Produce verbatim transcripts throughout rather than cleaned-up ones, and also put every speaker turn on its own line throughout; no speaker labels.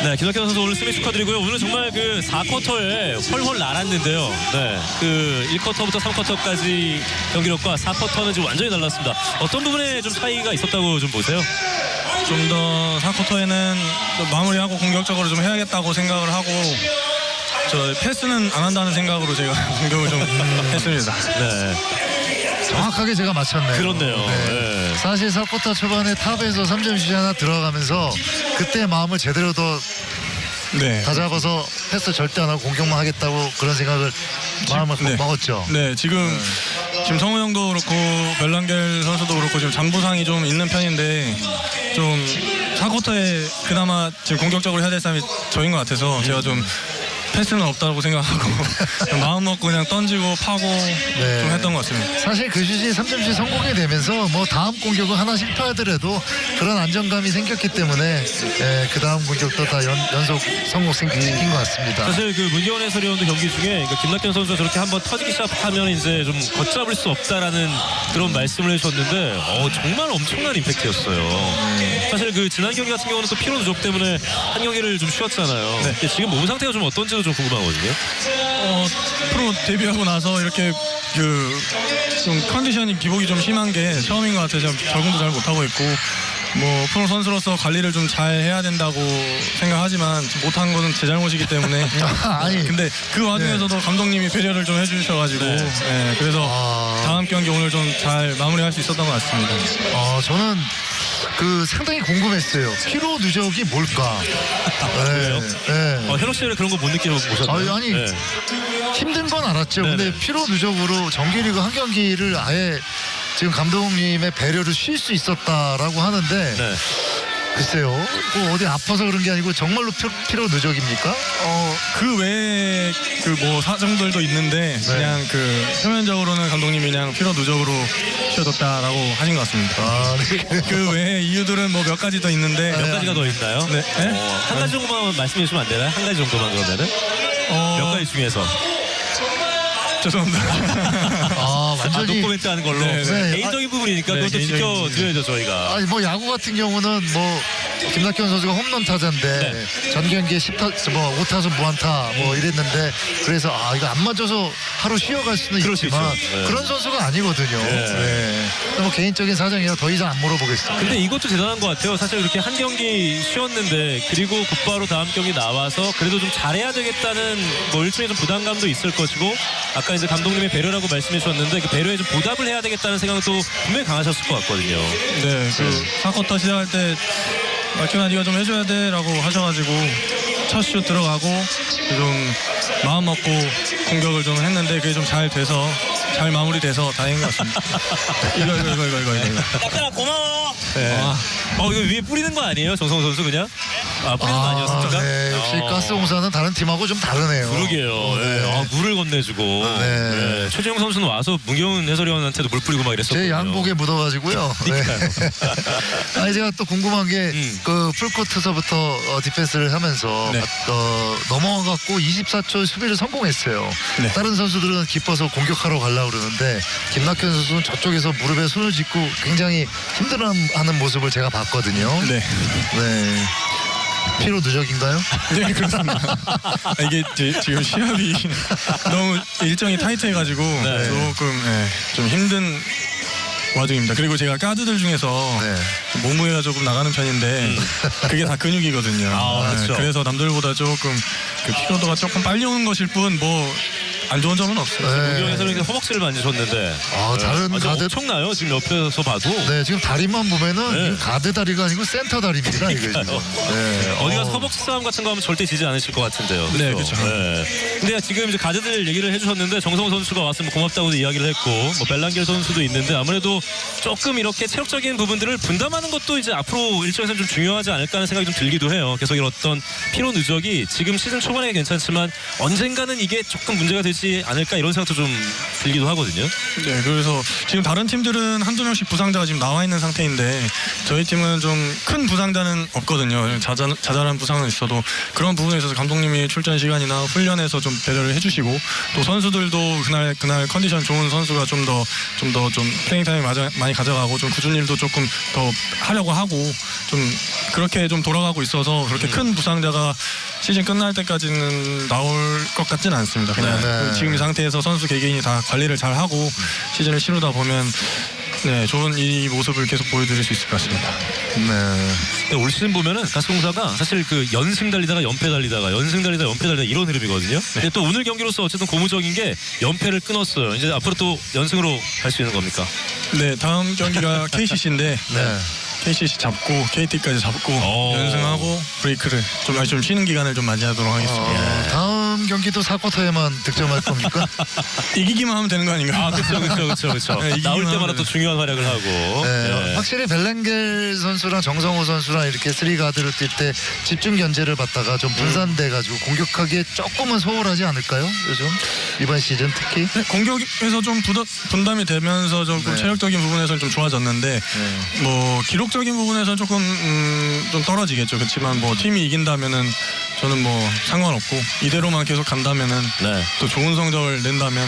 네, 김학현 선수 오늘 승리 축하드리고요. 오늘 정말 그 사 쿼터에 헐헐 날았는데요. 네, 그 일 쿼터부터 삼 쿼터까지 경기력과 사 쿼터는 지금 완전히 달랐습니다. 어떤 부분에 좀 차이가 있었다고 좀 보세요?
좀 더 사 쿼터에는 마무리하고 공격적으로 좀 해야겠다고 생각을 하고 저 패스는 안 한다는 생각으로 제가 공격을 좀 했습니다.
네,
정확하게 제가 맞췄네요.
그렇네요.
네.
네.
사실 사 쿼터 초반에 탑에서 삼 점슛이 하나 들어가면서 그때 마음을 제대로 더
네.
다잡아서 패스 절대 안 하고 공격만 하겠다고 그런 생각을 마음을
네.
먹었죠.
네, 지금 지금 성우 형도 그렇고 벨랑겔 선수도 그렇고 지금 잔부상이 좀 있는 편인데 좀 사 쿼터에 그나마 지금 공격적으로 해야 될 사람이 저인 것 같아서 제가 좀 패스는 없다고 생각하고 마음 먹고 그냥 던지고 파고
네.
좀 했던 것 같습니다.
사실 그 슛이 삼 점슛 성공이 되면서 뭐 다음 공격은 하나 실패하더라도 그런 안정감이 생겼기 때문에 예, 그 다음 공격도 다 연, 연속 성공 시킨 것 같습니다.
사실 그 문경원 해설위원도 경기 중에 그러니까 김낙현 선수가 저렇게 한번 터지기 시작하면 이제 좀 걷잡을 수 없다라는 그런 말씀을 해주셨는데 어, 정말 엄청난 임팩트였어요. 사실 그 지난 경기 같은 경우는 또 피로 누적 때문에 한 경기를 좀 쉬었잖아요.
네.
근데 지금 몸 상태가 좀 어떤지도 좀 궁금하거든요.
어, 프로 데뷔하고 나서 이렇게 그 좀 컨디션이 기복이 좀 심한 게 처음인 것 같아서 적응도 잘 못하고 있고 뭐 프로 선수로서 관리를 좀 잘 해야 된다고 생각하지만 못한 것은 제 잘못이기 때문에
아니
근데 그 와중에서도 감독님이 배려를 좀 해주셔가지고
네.
네, 그래서
아.
다음 경기 오늘 좀 잘 마무리할 수 있었던 것 같습니다.
어, 저는 그 상당히 궁금했어요. 피로 누적이 뭘까?
그래요?
네.
어, 현욱 씨는 그런 거 못 느껴보셨나요?
아니, 아니.
네.
힘든 건 알았죠.
네네.
근데 피로 누적으로 정규리그 한 경기를 아예 지금 감독님의 배려를 쉴 수 있었다라고 하는데
네.
글쎄요. 뭐 어디 아파서 그런 게 아니고 정말로 피, 피로 누적입니까?
어, 그 외에 그 뭐 사정들도 있는데
네.
그냥 그 표면적으로는 감독님이 그냥 피로 누적으로 쉬어뒀다라고 하신 것 같습니다.
아, 네.
그 외에 이유들은 뭐 몇 가지 더 있는데
몇 가지가 더 있나요?
네. 네?
어, 한 가지 정도만 말씀해 주시면 안 되나요? 한 가지 정도만 그러면은?
어,
몇 가지 중에서.
죄송합니다.
아,
아,
완전히.
노코멘트 하는 걸로.
네,
네.
개인적인 부분이니까
네,
그것도
개인적인
지켜드려야죠, 저희가.
아니 뭐 야구 같은 경우는 뭐 김낙현 선수가 홈런 타자인데
네.
전 경기에 십 타, 뭐 오 타수 무안타 뭐 이랬는데 그래서 아 이거 안 맞아서 하루 쉬어갈 수는
그럴 수
있지만
있죠. 네.
그런 선수가 아니거든요.
네.
네. 뭐 개인적인 사정이라 더 이상 안 물어보겠습니다.
근데 이것도 대단한 것 같아요. 사실 이렇게 한 경기 쉬었는데 그리고 곧바로 다음 경기 나와서 그래도 좀 잘해야 되겠다는 뭐 일종의 좀 부담감도 있을 것이고 아까 이제 감독님의 배려라고 말씀해 주셨는데 그 배려에 좀 보답을 해야 되겠다는 생각도 분명히 강하셨을 것 같거든요.
네, 그 사 쿼터 시작할 때 마키나 네가 좀 해줘야 돼라고 하셔가지고 첫 슛 들어가고 좀 마음 먹고 공격을 좀 했는데 그게 좀 잘 돼서 잘 마무리돼서 다행인 것 같습니다. 이거 이거 이거 이거 이거 이거.
낙현아 고마워. 네.
아.
어 이거 위에 뿌리는 거 아니에요, 정성호 선수 그냥? 아 뿌리는 거 아니었습니까?
네, 역시
어.
가스공사는 다른 팀하고 좀 다르네요.
그러게요. 네.
네.
아, 물을 건네주고.
네.
네. 최재형 선수는 와서 문경은 해설위원한테도 물 뿌리고 막 이랬었거든요.
제 양복에 묻어가지고요. 네. 아니 제가 또 궁금한 게
음.
그 풀코트서부터 어, 디펜스를 하면서
네.
어, 넘어가갖고 이십사 초 수비를 성공했어요.
네.
다른 선수들은 기뻐서 공격하러 가려고 그러는데 김낙현 선수는 저쪽에서 무릎에 손을 짚고 굉장히 힘들어하는 모습을 제가 봤거든요.
네.
네. 피로 누적인가요?
네, 그렇습니다. 이게 지, 지금 시합이 너무 일정이 타이트해가지고
네.
조금 네, 좀 힘든 와중입니다. 그리고 제가 가드들 중에서
네.
몸무게가 조금 나가는 편인데 그게 다 근육이거든요.
아, 그렇죠.
그래서 남들보다 조금 그 피로도가 조금 빨리 오는 것일 뿐 뭐 안 좋은 점은 없어요.
네.
문경 해설위원이 허벅지를 만지셨는데.
아, 다른
아주
가드
엄청나요, 지금 옆에서 봐도.
네, 지금 다리만 보면은
네.
이거 가드 다리가 아니고 센터 다리입니다. 이게 지금. 네.
어디 가서
어.
허벅지 싸움 같은 거 하면 절대 지지 않으실 것 같은데요.
네,
그렇죠?
그렇죠.
네. 근데 지금 이제 가드들 얘기를 해주셨는데 정성호 선수가 왔으면 고맙다고도 이야기를 했고 뭐 벨랑겔 선수도 있는데 아무래도 조금 이렇게 체력적인 부분들을 분담하는 것도 이제 앞으로 일정에서는 좀 중요하지 않을까 하는 생각이 좀 들기도 해요. 계속 이런 어떤 피로 누적이 지금 시즌 초반에 괜찮지만 언젠가는 이게 조금 문제가 될지 필요하지 않을까 이런 생각도 좀 들기도 하거든요.
네, 그래서 지금 다른 팀들은 한두 명씩 부상자가 지금 나와 있는 상태인데 저희 팀은 좀 큰 부상자는 없거든요. 자자, 자잘한 부상은 있어도 그런 부분에 있어서 감독님이 출전 시간이나 훈련에서 좀 배려를 해주시고 또 선수들도 그날 그날 컨디션 좋은 선수가 좀 더 좀 더 좀 플레잉 타임을 많이 가져가고 좀 굳은 일도 조금 더 하려고 하고 좀 그렇게 좀 돌아가고 있어서 그렇게 큰 부상자가 시즌 끝날 때까지는 나올 것 같지는 않습니다. 그냥
네.
지금 이 상태에서 선수 개개인이 다 관리를 잘 하고 시즌을 치르다 보면 네 좋은 이 모습을 계속 보여드릴 수 있을 것 같습니다.
네.
근데 올 시즌 보면은 가스공사가 사실 그 연승 달리다가 연패 달리다가 연승 달리다가 연패 달리다 이런 흐름이거든요. 근데 또 오늘 경기로서 어쨌든 고무적인 게 연패를 끊었어요. 이제 앞으로 또 연승으로 갈 수 있는 겁니까?
네 다음 경기가 케이씨씨인데
네.
케이씨씨 잡고 케이티까지 잡고
오.
연승하고 브레이크를 좀, 아니, 좀 쉬는 기간을 좀 맞이하도록 하겠습니다.
어, 다음 경기도 사 쿼터에만 득점할 겁니까?
이기기만 하면 되는 거 아닌가요?
아, 그렇죠, 그렇죠, 그렇죠, 그렇죠.
네, 이기기만
나올 때마다
하면.
또 중요한 활약을 하고.
네,
예.
확실히 벨랭겔 선수랑 정성호 선수랑 이렇게 쓰리 가드를 뛸 때 집중 견제를 받다가 좀 분산돼가지고 공격하기에 조금은 소홀하지 않을까요? 요즘 이번 시즌 특히.
네, 공격에서 좀 부담, 분담이 되면서 조금
네.
체력적인 부분에서는 좀 좋아졌는데
네.
뭐 기록적인 부분에서 조금 음, 좀 떨어지겠죠. 그렇지만 뭐 팀이 이긴다면은 저는 뭐 상관없고 이대로만 계속 간다면은
네.
또 좋은 성적을 낸다면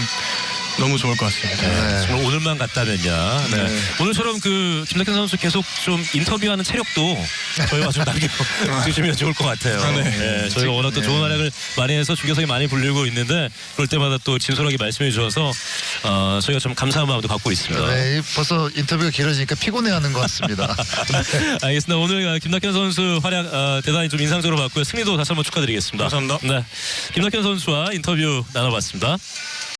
너무 좋을 것 같습니다.
네.
정말 오늘만 갔다면야. 네.
네.
오늘처럼 그 김낙현 선수 계속 좀 인터뷰하는 체력도 저희와 좀 남겨주시면 좋을 것 같아요.
아, 네.
네, 저희가 워낙 또
네.
좋은 활약을 많이 해서 중계석에 많이 불리고 있는데 그럴 때마다 또 진솔하게 말씀해 주셔서 어, 저희가 좀 감사한 마음도 갖고 있습니다.
네, 벌써 인터뷰가 길어지니까 피곤해하는 것 같습니다.
알겠습니다. 오늘 김낙현 선수 활약 어, 대단히 좀 인상적으로 봤고요. 승리도 다시 한번 축하드리겠습니다.
감사합니다.
네, 김낙현 선수와 인터뷰 나눠봤습니다.